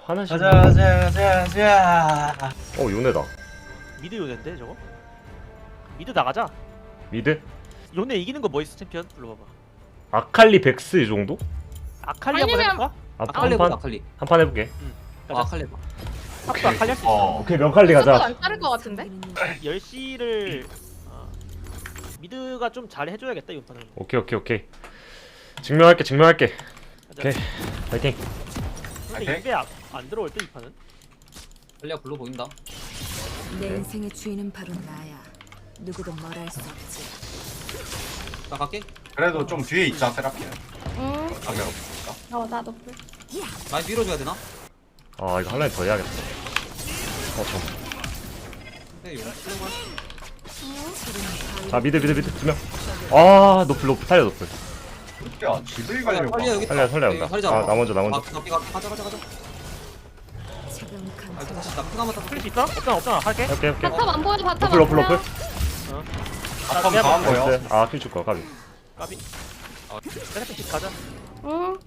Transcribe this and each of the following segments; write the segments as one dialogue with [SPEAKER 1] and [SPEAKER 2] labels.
[SPEAKER 1] 화나시네.
[SPEAKER 2] 가자.
[SPEAKER 1] 요네다.
[SPEAKER 3] 미드 요네인데 저거? 미드 나가자.
[SPEAKER 1] 미드?
[SPEAKER 3] 요네 이기는 거 뭐 있어 챔피언? 불러봐봐.
[SPEAKER 1] 아칼리 백스 이 정도?
[SPEAKER 3] 아칼리 한번
[SPEAKER 4] 아니면-
[SPEAKER 3] 해볼까?
[SPEAKER 5] 아칼리 해보자
[SPEAKER 1] 한판
[SPEAKER 5] 아칼리.
[SPEAKER 1] 한판 해볼게.
[SPEAKER 3] 가자.
[SPEAKER 5] 아칼리 해봐.
[SPEAKER 3] 탑도 아칼리 할 수 있어.
[SPEAKER 1] 오케이 명칼리
[SPEAKER 4] 속도
[SPEAKER 1] 가자.
[SPEAKER 4] 안 따를 것 같은데?
[SPEAKER 3] 10시를 미드가 좀 잘 해줘야겠다 이번 판은.
[SPEAKER 1] 오케이. 증명할게.
[SPEAKER 3] 가자.
[SPEAKER 1] 오케이 파이팅.
[SPEAKER 3] 근데
[SPEAKER 2] 오케이.
[SPEAKER 3] 입에 안 들어올 때 이 판은?
[SPEAKER 5] 아칼리가 불러 보인다.
[SPEAKER 6] 내 인생의 주인은 바로 나야. 누구도 뭐라 할 수 없지.
[SPEAKER 5] 나 갈게.
[SPEAKER 2] 그래도 좀 뒤에 있자 세라피는.
[SPEAKER 4] 응.
[SPEAKER 2] 가면 없으니까.
[SPEAKER 4] 나도 불.
[SPEAKER 5] 많이 밀어줘야 되나?
[SPEAKER 1] 아 이거 한 라인 더 해야겠다.
[SPEAKER 5] 근데 용 쓰는 걸.
[SPEAKER 1] 자 미드 2명. 아 노플 탈려 노플.
[SPEAKER 2] 야 집을 가려고.
[SPEAKER 5] 아칼리야 여기.
[SPEAKER 1] 살려 온다. 아 나 먼저.
[SPEAKER 5] 가자.
[SPEAKER 6] 차가운
[SPEAKER 5] 아
[SPEAKER 6] 감정.
[SPEAKER 5] 다시 나 피나마 딱
[SPEAKER 3] 풀릴 수 있어? 없잖아 할게.
[SPEAKER 1] 오케이.
[SPEAKER 4] 바텀 안 보여, 바텀 안
[SPEAKER 1] 노플.
[SPEAKER 4] 보여.
[SPEAKER 2] 바텀 다음 거요.
[SPEAKER 1] 나이스. 아 킬 줄거 까비.
[SPEAKER 3] 까비. 세라피 가자.
[SPEAKER 4] 응.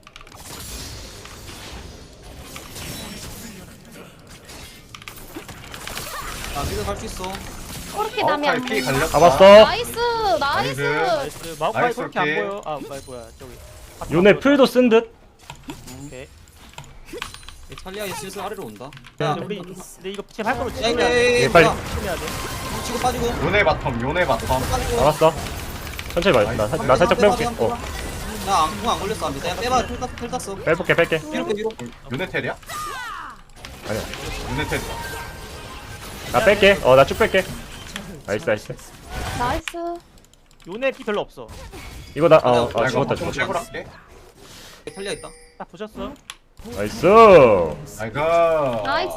[SPEAKER 5] 나 미드 갈수 있어.
[SPEAKER 4] 그렇게 남이 안
[SPEAKER 2] 피
[SPEAKER 4] 보여.
[SPEAKER 2] 갈렸다.
[SPEAKER 1] 잡았어.
[SPEAKER 4] 나이스, 나이스.
[SPEAKER 3] 나이스. 마우카이
[SPEAKER 2] 나이스,
[SPEAKER 3] 그렇게 안
[SPEAKER 2] 오케이.
[SPEAKER 3] 보여. 뭐야 저기.
[SPEAKER 1] 요네 풀도 쓴 듯.
[SPEAKER 3] 오케이.
[SPEAKER 5] 탈리아 슬슬 아래로 온다.
[SPEAKER 3] 야, 근데 우리 근데 이거 지금 할 거면
[SPEAKER 5] 야,
[SPEAKER 3] 지금 해야 돼.
[SPEAKER 1] 예, 빨리.
[SPEAKER 3] 지금 해야 돼.
[SPEAKER 5] 치고 빠지고.
[SPEAKER 2] 요네 바텀.
[SPEAKER 5] 빠지고.
[SPEAKER 1] 잡았어. 천천히 봐. 나 살짝 빼볼게.
[SPEAKER 5] 나안 걸렸어 안 돼. 야 빼봐. 텔 땄어.
[SPEAKER 1] 빼볼게.
[SPEAKER 5] 위로.
[SPEAKER 2] 요네 텔이야?
[SPEAKER 1] 아니야.
[SPEAKER 2] 요네 텔이야.
[SPEAKER 1] 나 뺄게. 나 쭉 뺄게. 나이스.
[SPEAKER 4] 나이스.
[SPEAKER 3] 요네 피 별로 없어.
[SPEAKER 1] 이거 나
[SPEAKER 2] 나 이거
[SPEAKER 1] 죽었다.
[SPEAKER 2] 좀 채굴할게.
[SPEAKER 5] 탈리아 있다.
[SPEAKER 3] 딱 보셨어?
[SPEAKER 1] 나이스.
[SPEAKER 2] 아이고.
[SPEAKER 4] 나이스.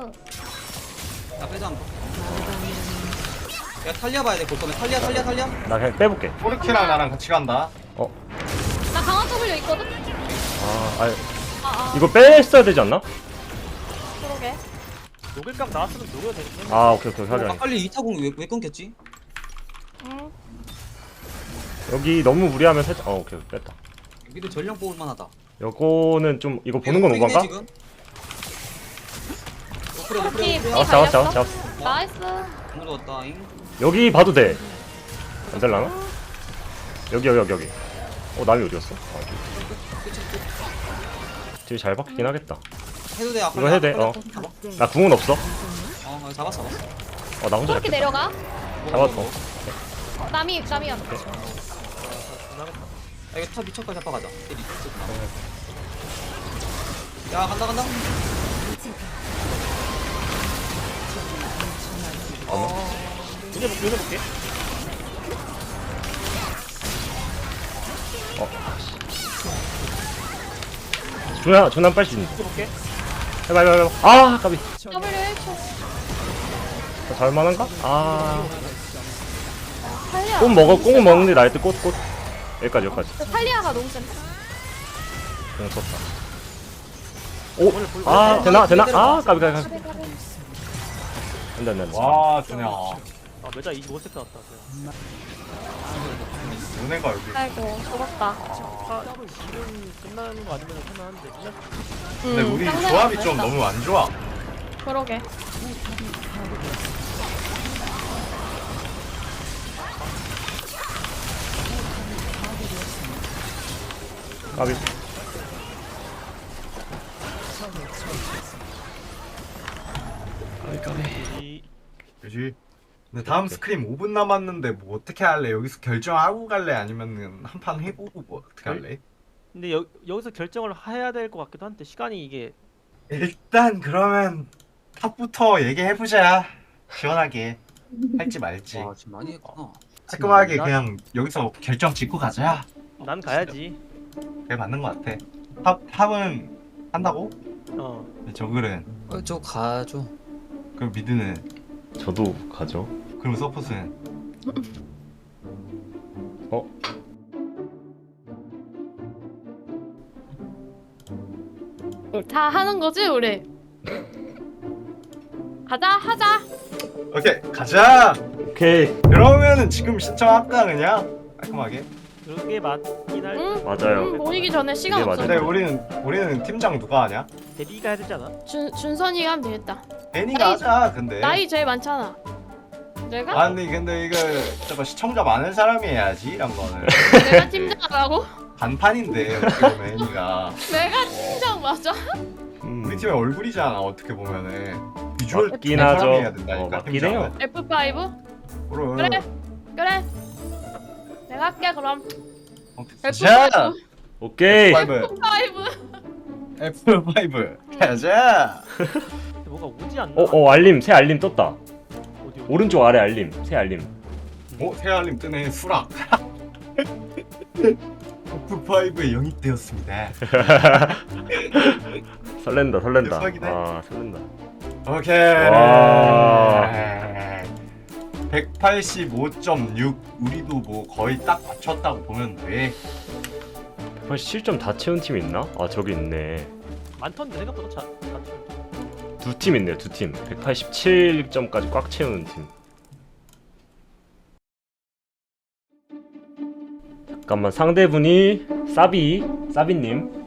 [SPEAKER 5] 나 빼자 한번. 야 탈리아 봐야 돼. 볼 거면 탈리아.
[SPEAKER 1] 나 그냥 빼볼게.
[SPEAKER 2] 포르키랑 나랑 같이 간다.
[SPEAKER 4] 나 강한 W 있거든?
[SPEAKER 1] 이거 뺐어야 되지 않나?
[SPEAKER 4] 그러게.
[SPEAKER 3] 녹일각 나왔으면 녹여도 되겠네.
[SPEAKER 1] 오케이. 확인.
[SPEAKER 5] 아칼리 이타공 왜 끊겼지?
[SPEAKER 4] 응.
[SPEAKER 1] 여기 너무 무리하면 살짝. 오케이. 뺐다.
[SPEAKER 5] 미드 전령 뽑을 만하다.
[SPEAKER 1] 요거는 좀 이거 보는 건 오반가?
[SPEAKER 4] 그렇게 피
[SPEAKER 1] 잡았어.
[SPEAKER 4] 갈렸어. 나이스.
[SPEAKER 5] 안 넣었다잉.
[SPEAKER 1] 여기 봐도 돼. 안 될라나? 여기. 남이 어디였어? 되게 잘 박히긴 하겠다.
[SPEAKER 5] 해도 돼. 아칼리.
[SPEAKER 1] 이거 해도 돼. 나 궁은 없어.
[SPEAKER 5] 잡았어.
[SPEAKER 1] 나 혼자
[SPEAKER 4] 그렇게
[SPEAKER 1] 잡겠다.
[SPEAKER 4] 내려가.
[SPEAKER 1] 잡았어.
[SPEAKER 4] 남이었다.
[SPEAKER 5] 야 이거 탑 미쳐까지 잡아가자. 야 간다.
[SPEAKER 3] 요네 볼게.
[SPEAKER 1] 존나 빨리 수 있는.
[SPEAKER 3] 요네 볼게.
[SPEAKER 1] 해봐. 까비.
[SPEAKER 4] W 1초.
[SPEAKER 1] 잘만한가?
[SPEAKER 4] 탈리아.
[SPEAKER 1] 꽁은 먹는데 나일 때 꽃. 여기까지.
[SPEAKER 4] 탈리아가 너무 센데?
[SPEAKER 1] 공 썼다. 되나? 까비.
[SPEAKER 4] 가비.
[SPEAKER 1] 안 돼.
[SPEAKER 2] 와 준야.
[SPEAKER 3] 메자 25세트 나왔다.
[SPEAKER 2] 요네가 여기.
[SPEAKER 4] 아이고, 죽었다.
[SPEAKER 3] 지금 끝나는 거 아니면 끝나는데 끝났어.
[SPEAKER 2] 근데 우리 조합이 좀 너무 안 좋아.
[SPEAKER 4] 그러게.
[SPEAKER 1] 까비.
[SPEAKER 3] 이
[SPEAKER 2] 그지? 근데 다음 스크림 5분 남았는데 뭐 어떻게 할래? 여기서 결정하고 갈래? 아니면은 한 판 해보고 뭐 어떻게 할래?
[SPEAKER 3] 근데 여기서 결정을 해야 될 것 같기도 한데 시간이 이게
[SPEAKER 2] 일단 그러면 탑부터 얘기해보자. 시원하게 할지 말지.
[SPEAKER 5] 와 지금 많이 했구나.
[SPEAKER 2] 깔끔하게 그냥 여기서 결정 짓고 가자.
[SPEAKER 3] 난 가야지.
[SPEAKER 2] 그게 맞는 것 같아. 탑은 한다고? 저글은
[SPEAKER 5] 저 가죠.
[SPEAKER 2] 그럼 미드는
[SPEAKER 1] 저도 가죠.
[SPEAKER 2] 그럼 서폿은
[SPEAKER 4] 다 하는 거지, 우리? 하자.
[SPEAKER 2] 오케이 가자.
[SPEAKER 1] 오케이.
[SPEAKER 2] 그러면은 지금 신청할까 그냥 깔끔하게.
[SPEAKER 3] 그게 맞긴 할
[SPEAKER 1] 맞아요.
[SPEAKER 4] 모이기 전에 시간
[SPEAKER 1] 네,
[SPEAKER 4] 없어.
[SPEAKER 1] 맞아요.
[SPEAKER 2] 근데 우리는 팀장 누가 하냐?
[SPEAKER 3] 대리가 해야 되지 않아?
[SPEAKER 4] 준선이가 하면 되겠다.
[SPEAKER 2] 애니가 하자 근데.
[SPEAKER 4] 나이 제일 많잖아. 내가?
[SPEAKER 2] 아니 근데 이거 저거 시청자 많은 사람이 해야지 이런 거는.
[SPEAKER 4] 내가 팀장이라고?
[SPEAKER 2] 간판인데 어떻게 보면 애니가.
[SPEAKER 4] 내가 팀장 맞아?
[SPEAKER 2] 우리 팀의 얼굴이잖아 어떻게 보면은. 비주얼
[SPEAKER 1] 맞긴
[SPEAKER 2] 좋은
[SPEAKER 1] 하죠.
[SPEAKER 2] 사람이 해야 된다니까,
[SPEAKER 1] 맞긴
[SPEAKER 2] 팀장은.
[SPEAKER 1] 해요.
[SPEAKER 4] F5?
[SPEAKER 2] 그럼.
[SPEAKER 4] 그래. 그래. 내가 할게 그럼.
[SPEAKER 2] 자
[SPEAKER 4] F5.
[SPEAKER 1] 오케이.
[SPEAKER 2] F5
[SPEAKER 4] F5.
[SPEAKER 2] F5 가자.
[SPEAKER 3] 근데 뭐가 오지 않나?
[SPEAKER 1] 알림 새 알림 떴다.
[SPEAKER 3] 어디?
[SPEAKER 1] 오른쪽 아래 알림 새 알림.
[SPEAKER 2] 태알님 뜨네 수락. F5에 영입되었습니다.
[SPEAKER 1] 설렌다.
[SPEAKER 2] 대박이네.
[SPEAKER 1] 아 설렌다.
[SPEAKER 2] 오케이.
[SPEAKER 1] 와.
[SPEAKER 2] 185.6 우리도 뭐 거의 딱 맞췄다고 보면 돼.
[SPEAKER 1] 187점 다 채운 팀 있나? 아 저기 있네.
[SPEAKER 3] 많던데 생각보다
[SPEAKER 1] 두 팀 있네요. 두 팀. 187점까지 꽉 채우는 팀. 잠깐만 상대분이 사비님